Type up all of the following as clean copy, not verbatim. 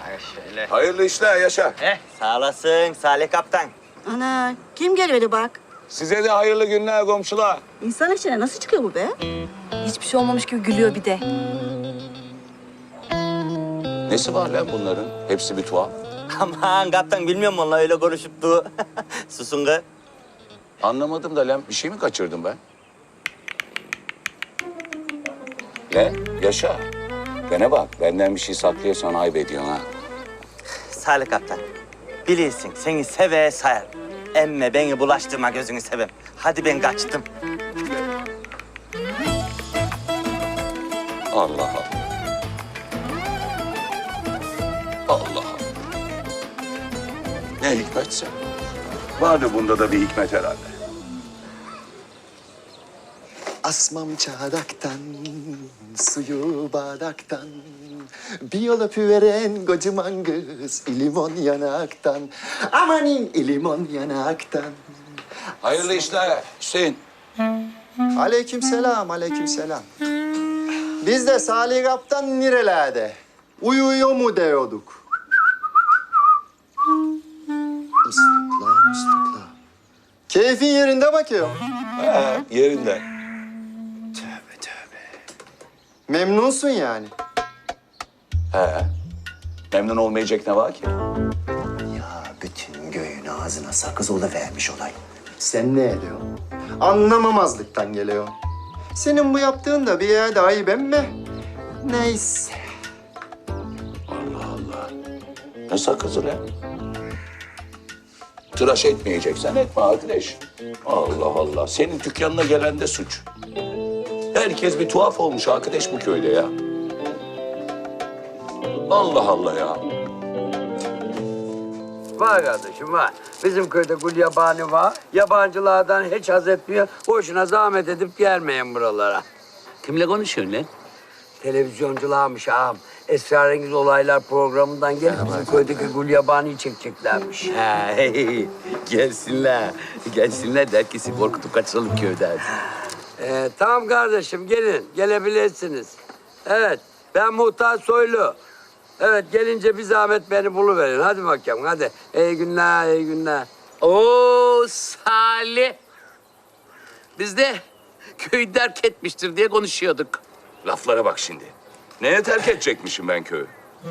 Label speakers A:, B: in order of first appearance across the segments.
A: Şöyle.
B: Hayırlı işler Yaşar.
A: Sağ olasın Salih Kaptan.
C: Ana kim geliyordu bak?
B: Size de hayırlı günler komşular.
C: İnsan içine nasıl çıkıyor bu be?
D: Hiçbir şey olmamış gibi gülüyor bir de.
B: Nesi var lan bunların? Hepsi bir tuhaf.
A: Aman kaptan bilmiyorum vallahi öyle konuşup du. Susun kız.
B: Anlamadım da lan bir şey mi kaçırdım ben? Ne? Yaşa. Bana bak benden bir şey saklıyorsan ayıp ediyorsun ha.
A: Salih Kaptan. Bilirsin seni seve sayar. Emme beni bulaştırma gözünü seveyim. Hadi ben kaçtım.
B: Allah Allah. Allah Allah. Ne hikmetse. Vardı bunda da bir hikmet herhalde.
E: Asmam çardaktan, suyu bardaktan. Bir yol öpüveren kocaman kız, limon yanaktan. Amanin limon yanaktan.
B: Hayırlı işler Hüseyin.
E: Aleykümselam, aleykümselam. Biz de Salih Kaptan nerelerde? Uyuyor mu diyorduk. Islıkla. Keyfin yerinde bakıyor.
B: Yerinde.
E: Tövbe tövbe. Memnunsun yani.
B: Memnun olmayacak ne var ki?
E: Ya bütün göğün ağzına sakız vermiş olay. Sen ne ediyorsun? Anlamamazlıktan geliyor. Senin bu yaptığın da bir yerde ayıp emme. Neyse.
B: Allah Allah. Ne sakızı lan? Tıraş etmeyeceksen etme arkadaş. Allah Allah. Senin dükkanına gelen de suç. Herkes bir tuhaf olmuş arkadaş bu köyde ya. Allah Allah ya.
F: Var kardeşim var. Bizim köyde gül yabani var. Yabancılardan hiç haz etmiyor. Boşuna zahmet edip gelmeyin buralara.
G: Kimle konuşuyorsun lan?
F: Televizyoncularmış ağam. Esrarengiz Olaylar programından gelip bizim köydeki gül yabaniyi çekeceklermiş.
G: Hey, gelsinler. Gelsinler de herkesi korkutup kaçıralım köyden.
F: Tamam kardeşim gelin. Gelebilirsiniz. Evet ben Muhtar Soylu. Evet gelince bir zahmet beni buluverin. Hadi bakalım hadi. İyi günler, iyi günler.
G: Oo Salih. Biz de köyü terk etmiştir diye konuşuyorduk.
B: Laflara bak şimdi. Neye terk edecekmişim ben köyü?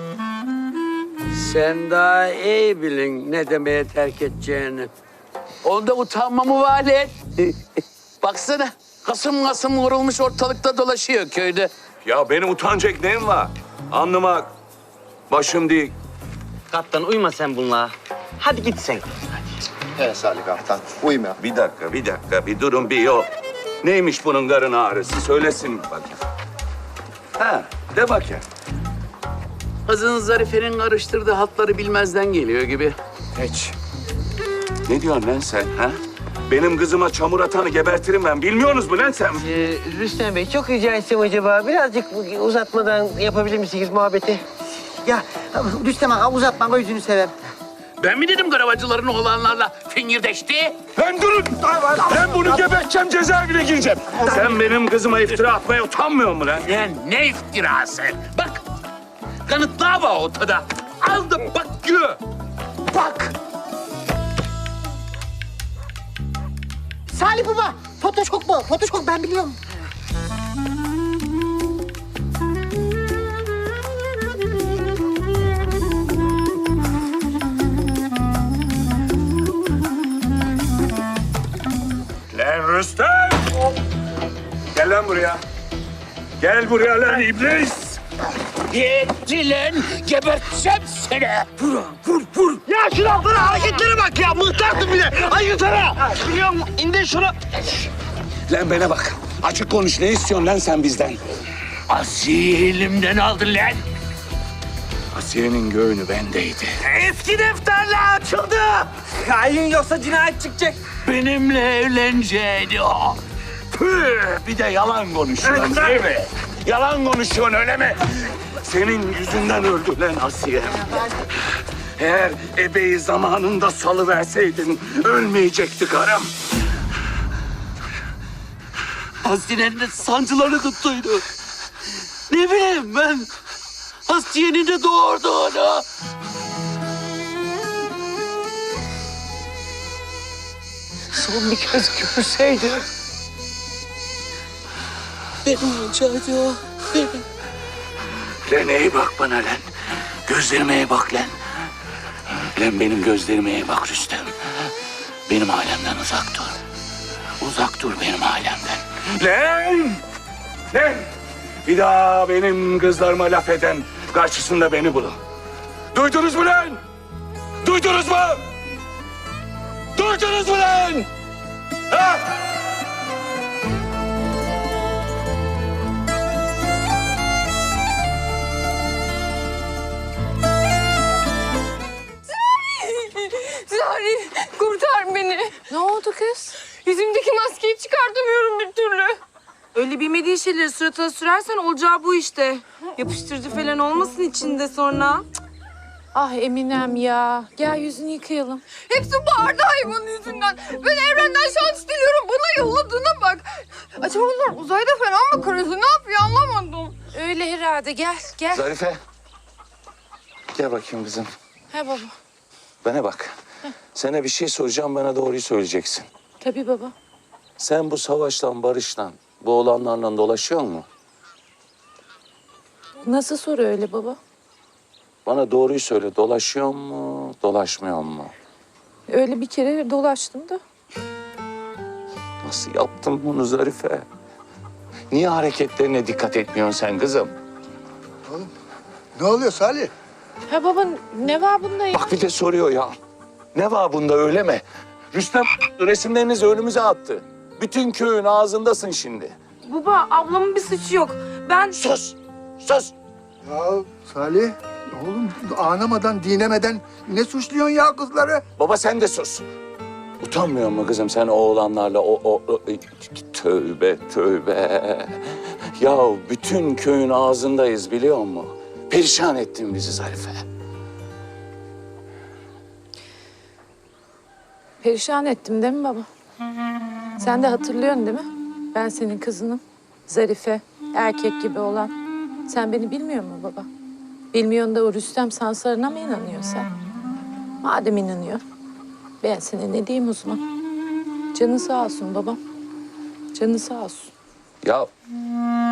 F: Sen daha iyi bilin ne demeye terk edeceğini.
G: Onda utanma mı var lan? Baksana kasım kasım vurulmuş ortalıkta dolaşıyor köyde.
B: Ya benim utanacak neyim var? Alnıma başım değil.
A: Kaptan uyma sen bununla. Hadi git sen.
E: Evet Salih Kaptan, uyma.
B: Bir dakika, bir durun, bir yol. Neymiş bunun karın ağrısı? Söylesin bakayım. Ha, de bakayım.
G: Kızın Zarife'nin karıştırdığı hatları bilmezden geliyor gibi.
B: Hiç. Ne diyorsun lan sen, ha? Benim kızıma çamur atanı gebertirim ben. Bilmiyorsunuz mu lan sen?
H: Rüstem Bey çok rica etsem acaba birazcık uzatmadan yapabilir misiniz muhabbeti? Ya Rüstem ağa uzatma gözünü seveyim.
G: Ben mi dedim karavacıların oğlanlarla fingirdeşti?
B: Lan durun! Ben bunu geberteceğim, cezaevine gireceğim. Sen benim kızıma iftira atmaya utanmıyor musun lan?
G: Lan ne iftirası? Bak kanıtlar var ortada. Aldım bak gör. Bak.
C: Salih baba, Photoshop bu. Photoshop ben biliyorum.
B: Lan Rüstem! Gel lan buraya. Gel buraya lan iblis!
G: Yetti lan. Geberteceğim seni.
H: Ya şuna bana hareketlere bak ya mıhtardım bile. Ay yutarı. Biliyorum indir şunu.
B: Lan bana bak. Açık konuş. Ne istiyorsun lan sen bizden?
G: Asiye elimden aldın lan.
B: Asiye'nin göğünü bendeydi.
G: Eski defterler açıldı.
A: Hain yoksa cinayet çıkacak.
G: Benimle evlenecekti o.
B: Püh! Bir de yalan konuşuyorsun değil mi? Yalan konuşuyorsun öyle mi? Senin yüzünden öldü lan Asiye. Eğer ebeyi zamanında salıverseydin ölmeyecekti karım.
G: Asiye'nin de sancıları tuttuydu. Ne bileyim ben. Asiye'nin de doğurduğunu.
H: Son bir kez görseydi.
G: Benim olacaktı o. Benim.
B: Lan iyi bak bana lan. Gözlerime iyi bak lan. Lan benim gözlerime iyi bak Rüstem. Benim alemden uzak dur. Uzak dur benim alemden. Lan! Lan! Bir daha benim kızlarıma laf eden karşısında beni bulun. Duydunuz mu lan? Duydunuz mu? Duydunuz mu lan? Ha?
D: Zari kurtar beni. Ne oldu kız? Yüzümdeki maskeyi çıkartamıyorum bir türlü.
I: Öyle bilmediğin şeyleri suratına sürersen olacağı bu işte. Yapıştırıcı falan olmasın içinde sonra.
D: Ah Eminem ya. Gel yüzünü yıkayalım. Hepsi bu Arda hayvanın yüzünden. Ben evrenden şans diliyorum. Bana yolladığına bak. Acaba bunlar uzayda falan mı karısı? Ne yapıyor anlamadım. Öyle herhalde. Gel gel.
B: Zarife. Gel bakayım kızım.
D: Ha baba.
B: Bana bak. Sana bir şey soracağım, bana doğruyu söyleyeceksin.
D: Tabii baba.
B: Sen bu savaştan, barıştan, bu olanlarla dolaşıyor mu?
D: Nasıl soru öyle baba?
B: Bana doğruyu söyle, dolaşıyor mu, dolaşmıyor mu?
D: Öyle bir kere dolaştım da.
B: Nasıl yaptın bunu Zarife? Niye hareketlerine dikkat etmiyorsun sen kızım?
E: Ne oluyor Salih?
D: Ha baba ne var bunda ya?
B: Bak bir de soruyor ya. Ne var bunda öyle mi? Rüstem resimlerinizi önümüze attı. Bütün köyün ağzındasın şimdi.
I: Baba ablamın bir suçu yok. Ben
B: Sus! Sus!
J: Ya Salih, oğlum anlamadan, dinemeden ne suçluyorsun ya kızları?
B: Baba sen de sus. Utanmıyor musun kızım sen oğlanlarla Tövbe tövbe. Ya bütün köyün ağzındayız biliyor musun? Perişan ettin bizi Zarife.
D: Perişan ettim değil mi baba? Sen de hatırlıyorsun değil mi? Ben senin kızınım. Zarife, erkek gibi olan. Sen beni bilmiyor musun baba? Bilmiyorsun da o Rüstem Sansarı'na mı inanıyorsun sen? Madem inanıyor, ben sana ne diyeyim o zaman? Canı sağ olsun babam. Canı sağ olsun.
B: Ya